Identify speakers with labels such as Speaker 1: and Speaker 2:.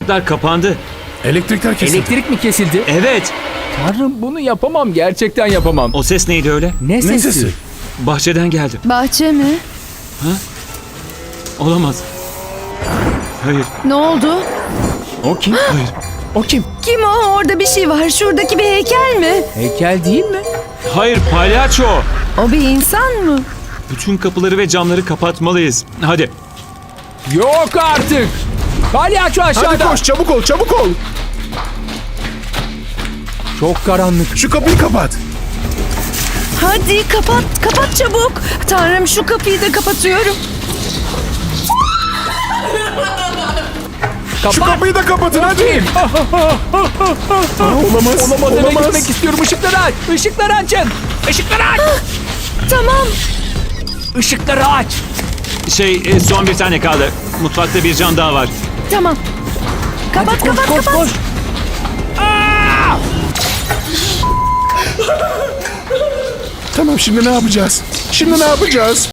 Speaker 1: ışıklar kapandı.
Speaker 2: Elektrikler kesildi.
Speaker 3: Elektrik mi kesildi?
Speaker 1: Evet.
Speaker 3: Tanrım, bunu yapamam. Gerçekten yapamam.
Speaker 1: O ses neydi öyle?
Speaker 3: Ne sesi?
Speaker 2: Ne sesi?
Speaker 1: Bahçeden geldi.
Speaker 4: Bahçe mi?
Speaker 1: Olamaz. Hayır.
Speaker 4: Ne oldu?
Speaker 3: O kim?
Speaker 1: Hayır.
Speaker 3: O kim?
Speaker 4: Kim o? Orada bir şey var. Şuradaki bir heykel mi?
Speaker 3: Heykel değil mi?
Speaker 1: Hayır, palyaço.
Speaker 4: O bir insan mı?
Speaker 1: Bütün kapıları ve camları kapatmalıyız. Hadi.
Speaker 3: Yok artık. Palyaço
Speaker 2: Hadi
Speaker 3: aşağıda.
Speaker 2: koş, çabuk ol, çabuk ol.
Speaker 3: Çok karanlık.
Speaker 2: Şu kapıyı kapat.
Speaker 4: Hadi kapat, kapat çabuk. Tanrım, şu kapıyı da kapatıyorum.
Speaker 3: Kapat.
Speaker 2: Şu kapıyı da kapatın hadi. Olamaz.
Speaker 3: Olamaz eve
Speaker 2: Olamaz.
Speaker 3: gitmek istiyorum. Işıkları aç. Işıkları açın. Işıkları aç.
Speaker 4: Tamam.
Speaker 3: Işıkları aç.
Speaker 1: Son bir tane kaldı. Mutfakta bir cam daha var.
Speaker 4: Tamam. Kapat,
Speaker 3: Hadi koş,
Speaker 4: kapat,
Speaker 3: koş,
Speaker 4: kapat.
Speaker 3: koş.
Speaker 2: Tamam, şimdi ne yapacağız? Şimdi ne yapacağız?